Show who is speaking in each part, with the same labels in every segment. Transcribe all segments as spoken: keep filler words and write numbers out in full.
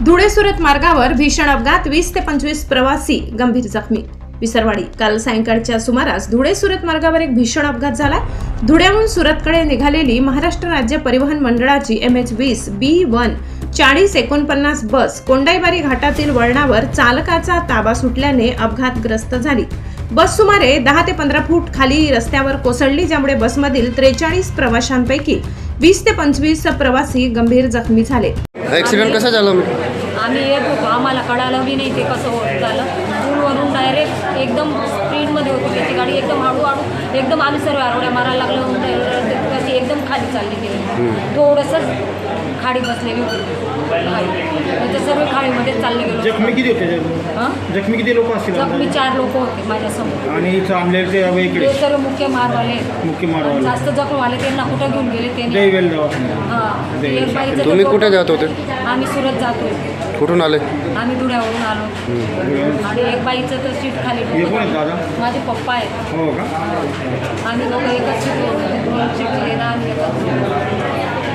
Speaker 1: धुळे सुरत मार्गावर भीषण अपघात, वीस ते पंचवीस प्रवासी गंभीर जखमी. विसरवाडी. काल सायंकाळच्या सुमारास धुळे सुरत मार्गावर एक भीषण अपघात झाला. धुळ्याहून सुरतकडे निघालेली महाराष्ट्र राज्य परिवहन मंडळाची एम एच वीस बी वन चाळीस एकोणपन्नास बस कोंडाईबारी घाटातील वळणावर चालकाचा ताबा सुटल्याने अपघातग्रस्त झाली. बस सुमारे दहा ते पंधरा फूट खाली रस्त्यावर कोसळली, ज्यामुळे बसमधील त्रेचाळीस प्रवाशांपैकी वीस ते पंचवीस प्रवासी गंभीर जखमी झाले.
Speaker 2: ऍक्सिडेंट कसा झाला?
Speaker 3: आम्ही येत होतो, आम्हाला कळालं बी नाही ते कसं होत झालं. पूलवरून डायरेक्ट एकदम स्पीडमध्ये होती त्याची गाडी, एकदम हळूहळू एकदम आम्ही सर्व आरोड्या मारायला लागलो. कशी एकदम खाली चालली गेली, थोडंसंच खाडी बसलेली होती. ते सर्व खाडीमध्ये चालले गेलो.
Speaker 4: जखमी किती होते?
Speaker 3: हां,
Speaker 4: जखमी किती लोक असतील?
Speaker 3: जखमी चार लोक होते माझ्यासमोर.
Speaker 4: आणि चांगले ते वेगळे
Speaker 3: ते सर्व मुख्य मारवाले
Speaker 4: मुख्य मारवाले
Speaker 3: जास्त जखमवाले त्यांना कुठं घेऊन गेले त्यांनी.
Speaker 4: दैवेल दवाखान्यात.
Speaker 3: हां,
Speaker 4: दैवेल.
Speaker 3: एक बाईचं
Speaker 2: तुम्ही
Speaker 3: तर
Speaker 2: कुठे जात होते?
Speaker 3: आम्ही सुरत जातोय.
Speaker 2: कुठून आले?
Speaker 3: आम्ही धुळ्यावरून आलो. आणि एक बाईचं तर सीट खाली
Speaker 4: हे कोण आहेत दादा?
Speaker 3: माझे पप्पा आहेत.
Speaker 4: हो का?
Speaker 3: आम्ही दोघं एकच सीट होतो, दोन सीट आणि एकच.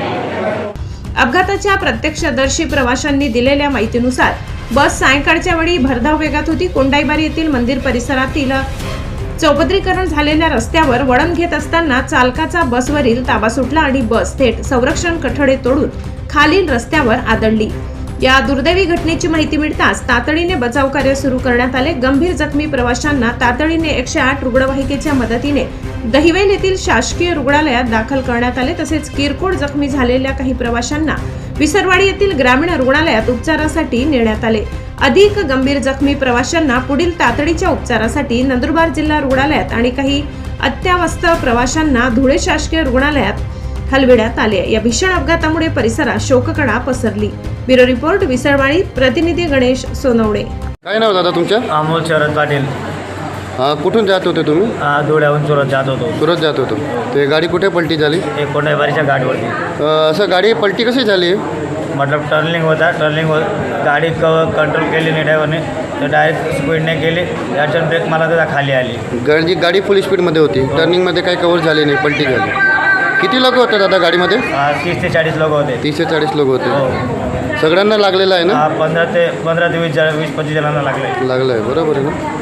Speaker 1: अपघाताच्या प्रत्यक्षदर्शी प्रवाशांनी दिलेल्या माहितीनुसार बस सायंकाळच्या वेळी भरधाव वेगात होती. कोंडाईबारी येथील मंदिर परिसरातील चौपदरीकरण झालेल्या रस्त्यावर वळण घेत असताना चालकाचा बसवरील ताबा सुटला आणि बस थेट संरक्षण कठडे तोडून खालील रस्त्यावर आदळली. या दुर्दैवी घटनेची माहिती मिळताच तातडीने बचाव कार्य सुरू करण्यात आले. गंभीर जखमी प्रवाशांना तातडीने एकशे आठ रुग्णवाहिकेच्या मदतीने दहिवेल येथील शासकीय रुग्णालयात दाखल करण्यात आले. तसेच किरकोळ जखमी झालेल्या काही प्रवाशांना विसरवाडी येथील ग्रामीण रुग्णालयात उपचारासाठी नेण्यात आले. अधिक गंभीर जखमी प्रवाशांना पुढील तातडीच्या उपचारासाठी नंदुरबार जिल्हा रुग्णालयात आणि काही अत्यावस्थ प्रवाशांना धुळे शासकीय रुग्णालयात हलविण्यात आले. या भीषण अपघातामुळे परिसरात शोककळा पसरली. Bureau report, Visarwadi. प्रतिनिधी गणेश सोनवणे.
Speaker 2: काय नाव दादा तुमच्या?
Speaker 5: अमोल शरद पाटील.
Speaker 2: हा, कुठून जात होते तुम्ही?
Speaker 5: आ, धुळ्याहून सुरत जात होतो.
Speaker 2: सुरत जात होतो. ते गाडी कुठे पलटी झाली?
Speaker 5: एक कोंडाईबारीच्या गाडीवरती.
Speaker 2: अं, असं गाडी पलटी कशी झाली?
Speaker 5: मतलब टर्निंग होता, टर्निंग हो गाडी क कंट्रोल केली नाही ड्रायव्हरने, तर डायरेक्ट स्पीडने गेली. याच्यात ब्रेक मला त्याला खाली आली.
Speaker 2: गाडी गाडी फुल स्पीडमध्ये होती, टर्निंगमध्ये काही कव्हर झाले नाही, पलटी झाली. किती लोक होते दादा गाडीमध्ये?
Speaker 5: आ, तीस ते चाळीस लोक होते.
Speaker 2: तीस ते चाळीस लोक होते.
Speaker 5: हो.
Speaker 2: सगळ्यांना लागलेलं आहे ना?
Speaker 5: आ, पंधरा ते पंधरा ते वीस वीस पंचवीस जणांना लागले.
Speaker 2: लागलं आहे, बरोबर आहे ना?